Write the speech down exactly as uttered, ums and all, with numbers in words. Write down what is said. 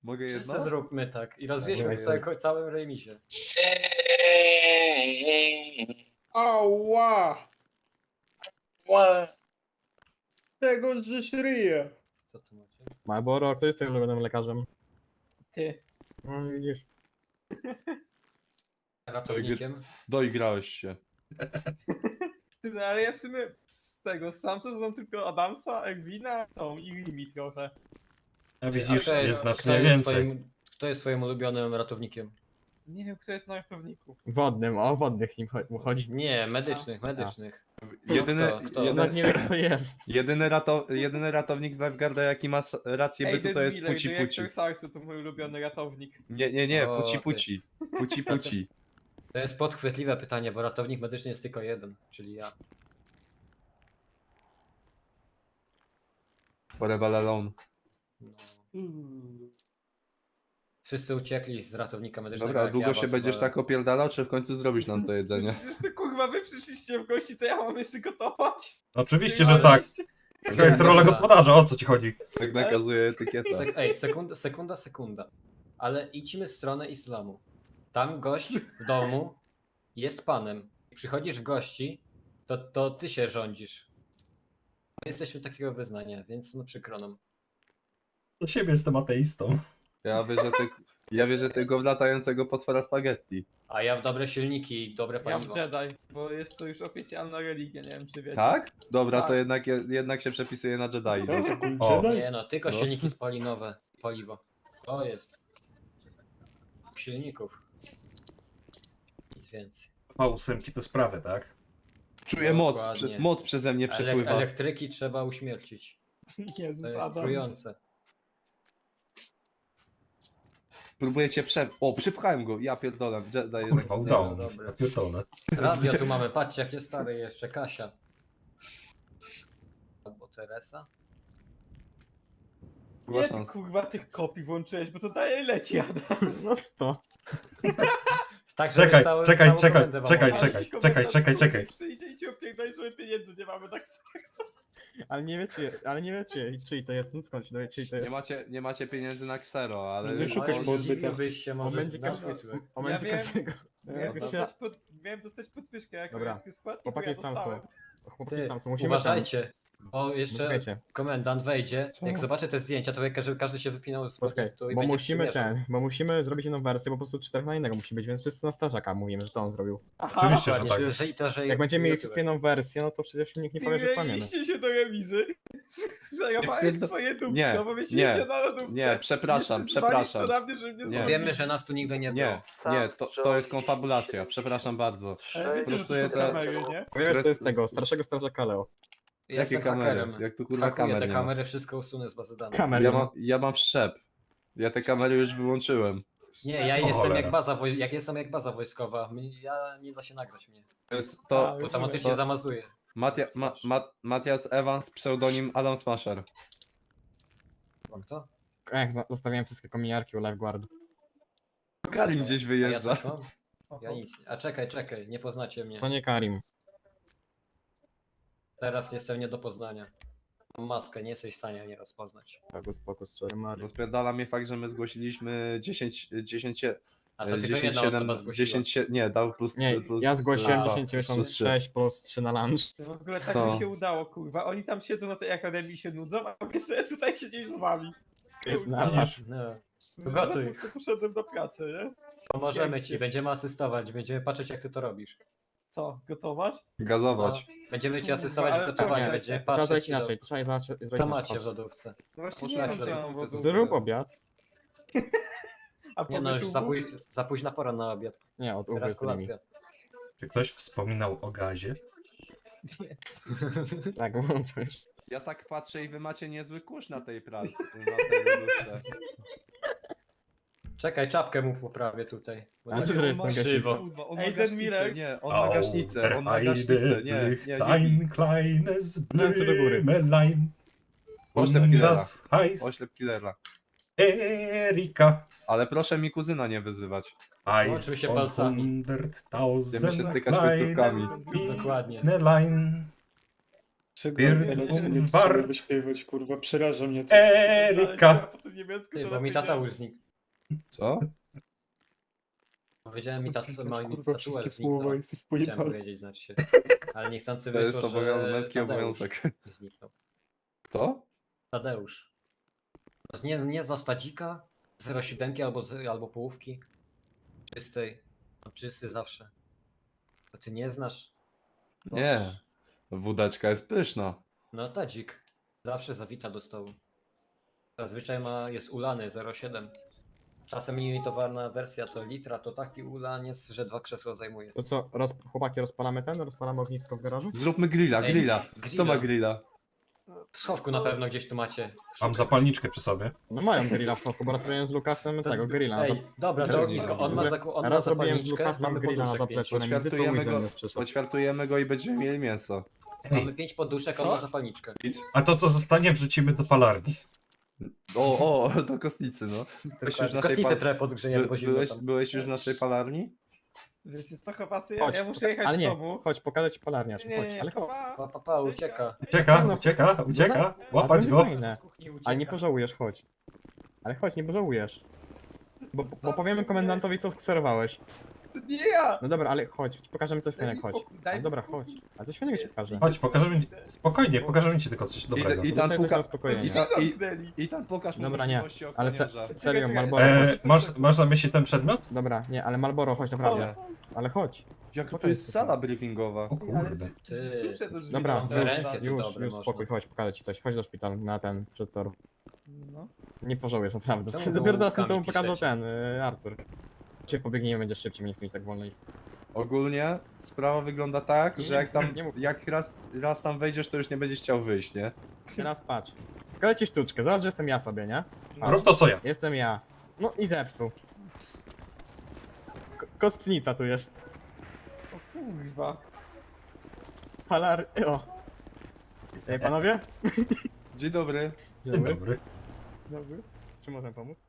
Mogę Wszyscy jedno? zróbmy tak i rozwieźmy Dawaj, w całym, całym remisie. Ała! Ła. Tego żeś ryje. Co tu macie? Malboro, kto jest twoim ulubionym lekarzem? Ty. No widzisz. Ratownikiem? Doigrałeś się. Ty, no ale ja w sumie z tego, z Samsa znam tylko Adamsa, Egwina, tą i Limi trochę. A A widzisz, kto jest kto znacznie jest więcej. Twoim, kto jest twoim ulubionym ratownikiem? Nie wiem, kto jest na ratowniku. Wodnym, o wodnych nim cho- mu chodzi. Nie, medycznych, medycznych. Jedyny, kto? Kto? Jednak jedyny, nie wiem kto jest. jedyny, rato, jedyny ratownik z Lifeguarda, jaki ma s- rację bytu, to jest Miller, Puci Puci. dyrektor Sarsu to mój ulubiony ratownik. Nie, nie, nie, O, Puci ty. Puci. Puci Puci. To jest podchwytliwe pytanie, bo ratownik medyczny jest tylko jeden, czyli ja. Forever alone. No. Wszyscy uciekli z ratownika medycznego. Dobra, jak długo ja się was będziesz wolę. tak opierdalał, czy w końcu zrobisz nam to jedzenie? Przecież ty kurwa, wy przyszliście w gości, to ja mam jeszcze gotować? Oczywiście, Ty że ale tak. jeszcze- To jest rola gospodarza, o co ci chodzi? Tak nakazuje etykieta. Sek ej, sekunda, sekunda, sekunda. Ale idźmy w stronę islamu. Tam gość w domu jest panem. Przychodzisz w gości, to, to ty się rządzisz. My jesteśmy takiego wyznania, więc no przykro nam. Do siebie jestem ateistą. Ja wierzę, ty, ja wierzę tylko w latającego potwora spaghetti. A ja w dobre silniki i dobre Ja paliwo. w Jedi, bo jest to już oficjalna religia, nie wiem czy wiecie. Tak? Dobra, to Tak. jednak, jednak się przepisuje na Jedi. O. Nie no, tylko No. silniki spalinowe, paliwo. To jest. Silników. Nic więcej. V osiem te sprawy, tak? Czuję moc, Dokładnie. prze, moc przeze mnie Elek przepływa. elektryki trzeba uśmiercić. To Jezus jest Adam. trujące. Próbuję cię prze... O, przypchałem go, ja pierdolę. Jedi jednak... Kurwa, udało mi się. Dobra. Ja pierdolę. Radio tu mamy, patrzcie jakie stare jeszcze, Kasia. Albo Teresa. Była Nie ty szansa. kurwa tych kopii włączyłeś, bo to daje leci Adam. No sto. Tak, żeby Czekaj, cały, czekaj, całą czekaj, komendę wam czekaj, opowiedzieć. czekaj, Jakiś czekaj, komentarz, czekaj, czekaj. Przyjdzie i ci opierdolę, że pieniędzy nie mamy tak samo. Ale nie wiecie, ale nie wiecie czyj to jest, no skąd się dowie czyj to Nie jest. macie, nie macie pieniędzy na Xero, ale... Nie ale- szukać Ale po zdziwiłbyś się O może będzie z każdy, nazwy tu. o będzie Ja wiem. każdego. Miałem, Jak się, dostać pod, miałem dostać podwyżkę jako Dobra. jest skład i chłopaki ja z Samsu. dostałem. Chłopaki Ty, z Samsu, musimy uważajcie, bo tam. jeszcze Poczekajcie, komendant wejdzie, Co? jak zobaczy te zdjęcia, to jak każdy, każdy się wypinał z poczekaj, produktu i bo będzie musimy przymierzał. ten, bo musimy zrobić jedną wersję, bo po prostu czterech na jednego musi być, więc wszyscy na strażaka mówimy, że to on zrobił. Aha, Oczywiście, że Dokładnie, tak. że, że, to, że Jak będziemy mieli YouTuber. wszyscy jedną wersję, no to przecież nikt nie powie, że kłamiemy. Mieliście się do remizy. Zajmowałeś Nie, swoje dupsko, nie, bo myślicie nie, się na lodówce. nie, przepraszam, Nie przyzwalisz przepraszam. to na mnie, że mnie Nie. zabił. Wiemy, że nas tu nigdy nie było. Nie, nie, to, to jest konfabulacja, przepraszam bardzo. Ale wiecie, że to Prostuję są za- kamery, nie? Powiesz, to jest tego, starszego strażaka Leo. Jestem Jakie kamery? hakerem. Jak tu kurwa Hakuję kamer te nie ma? kamery, wszystko usunę z bazy danych. Kamer Ja nie ma. mam, ja mam wszczep. Ja te kamery już wyłączyłem. Nie, ja O jestem cholera. jak baza, woj- jak jestem jak baza wojskowa. Mi- Ja nie da się nagrać mnie. To jest A, to... już Automatycznie to- zamazuje. Matia, ma, ma, Matias Evans, pseudonim Adam Smasher. Mam to? Jak za- zostawiłem wszystkie kominiarki u Lifeguardu. Karim gdzieś A ja wyjeżdża. coś mam? Ja nic. A czekaj, czekaj, nie poznacie mnie. To nie Karim. Teraz jestem nie do poznania. Mam maskę, nie jesteś w stanie mnie rozpoznać. Pokus, pokus, cztery mary. Rozpierdala mnie fakt, że my zgłosiliśmy dziesięć, dziesięć, A to tylko dziesięć, jedna siedem, osoba zgłosiła. dziesięć, sie- nie, dał plus Nie, trzy, plus ja zgłosiłem a, dziesięć plus miesiąc trzy. sześć plus trzy na lunch. W ogóle tak To. mi się udało, kurwa. Oni tam siedzą na tej akademii i się nudzą, a my sobie tutaj siedzimy z wami. Jest Kurwa. napad. No. No, Gotuj. to Poszedłem do pracy, nie? Pomożemy Pięknie. ci, będziemy asystować, będziemy patrzeć jak ty to robisz. Co, gotować? Gazować. No, będziemy ci Kurwa, asystować w ale gotowaniu, czekaj, będziemy Trzeba patrzeć zrobić ci do- inaczej, trzeba inaczej zrobić Co inaczej. macie w Patrz. lodówce? No właśnie Poszukaj nie wiem, co ja mam lodówce, w ogóle. Zrób obiad. A Nie no, już pomysł za, był? póź, za późna pora na obiad. Nie, od Teraz Uwy z nimi. kolacja. Czy ktoś wspominał o gazie? Tak, włączysz. Ja tak patrzę i wy macie niezły kurz na tej pracy, na tej lodówce. Czekaj, czapkę mu poprawię tutaj. bo Ale tak co to jest On ma- na krzywo. gaśniku? Kurwa, on Ej, ma ten gaśnicę, Mirek. nie, on ma gaśnicę, on ma gaśnicę, nie, nie, nie, nie. Ein kleines Ręce do góry. Blümelein. Oślep Und killera. das heißt Oślep killera. Erika. Ale proszę mi kuzyna nie wyzywać. Łączymy się palcami. Będziemy się hunderttausend stykać końcówkami. Dokładnie. Blümelein. Czego Pierd- teraz nie Bart. trzeba wyśpiewać, kurwa, przeraża mnie to. Erika. Po tym niemiecku Ty, to bo mi lepiej tata nie- już znikł. Co? Powiedziałem mi tata, że ma mi Kurwa, tatuaż wszystkie zniknął. słowa jesteś Chciałem pojebany. powiedzieć, znaczy się. Ale niechcący To jest wyszło, obowiązek, że męski Tadeusz obowiązek. nie zniknął. Kto? Tadeusz. To Nie, nie za stadzika, zero siedem albo, z- albo połówki. Czystej. No, czysty zawsze. To ty nie znasz? Nie. Wódeczka jest pyszna. No tadzik. Zawsze zawita do stołu. Zazwyczaj ma, jest ulany zero siedem. Czasem limitowana wersja to litra, to taki ulaniec, że dwa krzesła zajmuje. To co, roz... chłopaki, rozpalamy ten? Rozpalamy ognisko w garażu? Zróbmy grilla, Ej, grilla. Kto grilla. ma grilla? W schowku na pewno gdzieś tu macie. Mam zapalniczkę przy sobie. No mają grilla w szoku, bo raz robiłem z Lukasem To- tego grilla. Ej, na zap- dobra, to Ej, ognisko. On ma, zaku- on ma Raz robiłem z zapalniczkę, Lukasem mamy grilla na poduszek pięć. zapleczu na mizy, to Poćwiartujemy Łyzen go, nas przyszedł. poćwiartujemy go i będziemy mieli mięso. Mamy pięć poduszek, on ma zapalniczkę. A to co zostanie wrzucimy do palarni. O, o, do kostnicy, no. Byłeś już w naszej Kostnicę pal- trochę podgrzejemy, By, bo zimno byłeś, tam. byłeś już w naszej palarni? Wiecie co, chłopacy, ja, Chodź, ja muszę jechać ale do nie, domu. chodź, pokażę ci polarnię, Nie, chodź, nie, ale chodź. pa, Pa, pa, pa, ucieka. Ucieka, ucieka, ucieka. Łapać Ale go. będzie fajne. Kuchni Ale nie ucieka. pożałujesz, chodź. Ale chodź, nie pożałujesz. Bo, bo powiemy komendantowi, co skserowałeś. To nie ja! No dobra, ale chodź, pokażemy coś Daj mi fajnego, chodź. spokój, daj Ale mi dobra, spokój. chodź. A coś fajnego ci pokażę. Chodź, pokażemy ci. Spokojnie, pokażemy ci tylko coś dobrego. I, i tam Dostaję coś puka... na uspokojenie. I, ta, i, Zamknęli. I tam pokaż mu Dobra, nie, możliwości ale se, ochroniarza. se, serio, Czekaj, Malboro, E, chodź. masz, masz na myśli ten przedmiot? Dobra, nie, ale Malboro, chodź, naprawdę. Ale chodź. Jaka to jest sala briefingowa? O kurde. Ty. Klucze do drzwi Dobra, do konferencje auta. tu już, dobre już można. spokój, chodź, pokażę ci coś. Chodź do szpitala na ten przedstor. No. Nie pożałujesz, naprawdę. Czemu Ty dopiero teraz mi to gołąbkami pokazał piszecie? ten, y, Artur. Cię pobiegniemy, będziesz szybciej, nie chcę mieć tak wolno. Ogólnie sprawa wygląda tak, że jak tam, nie mów. jak raz, raz tam wejdziesz, to już nie będziesz chciał wyjść, nie? Teraz patrz. Pokażę ci sztuczkę, zobacz, że jestem ja sobie, nie? Rób to co ja. Jestem ja. No i zepsuł. Ko- kostnica tu jest. O kurwa. Palar... O. Ej, panowie? Dzień dobry. Dzień Dzień dobry. dobry. Znowu. Czy możemy pomóc?